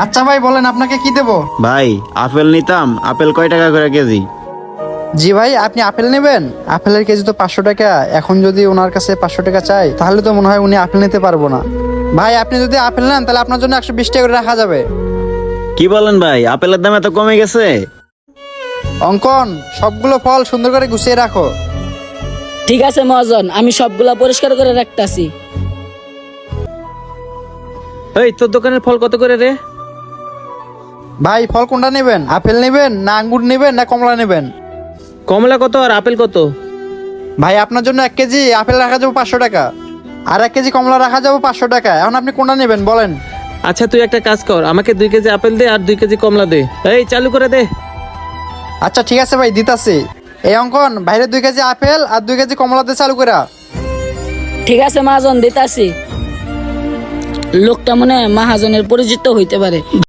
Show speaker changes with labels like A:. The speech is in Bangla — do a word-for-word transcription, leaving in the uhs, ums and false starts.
A: আচ্ছা ভাই বলেন আপনাকে কি দেবো?
B: ভাই আপেল নিতাম, আপেল কয় টাকা করে কেজি?
A: জি ভাই, আপনি আপেল নেবেন? আপেলের কেজি তো পাঁচশো টাকা। এখন যদি ওনার কাছে পাঁচশো টাকা চাই তাহলে তো মনে হয় উনি আপেল নিতে পারবো না। ভাই আপনি যদি আপেল নেন তাহলে আপনার জন্য একশো বিশ টাকা করে রাখা যাবে।
B: কি বলেন ভাই, আপেলের দাম এত কমে গেছে?
A: অঙ্কন, সবগুলো ফল সুন্দর করে গুছিয়ে রাখো।
C: ঠিক আছে মহাজন, আমি সবগুলা পরিষ্কার করে রাখতাছি।
D: এই তোর দোকানের ফল কত করে রে?
A: ভাই ফল কোনটা নেবেন? আপেল নেবেন না আঙ্গুর নেবেন না কমলা নেবেন?
D: কমলা কত আর আপেল কত?
A: ভাই আপনার জন্য এক কেজি আপেল রাখা যাবো পাঁচশো টাকা, আর এক কেজি কমলা রাখা যাবো পাঁচশো টাকা। এখন আপনি কোনটা নেবেন বলেন?
D: আচ্ছা তুই একটা কাজ কর, আমাকে দুই কেজি আপেল দে আর দুই কেজি কমলা দে। এই চালু করে দে।
A: আচ্ছা ঠিক আছে ভাই, দিতাছি। এই অঙ্কন, বাইরে দুই কেজি আপেল আর দুই কেজি কমলা দিয়ে চালু করা।
C: ঠিক আছে মহাজন, দিতাছি। লোকটা মনে হয় মহাজনের পরিচিত হইতে পারে।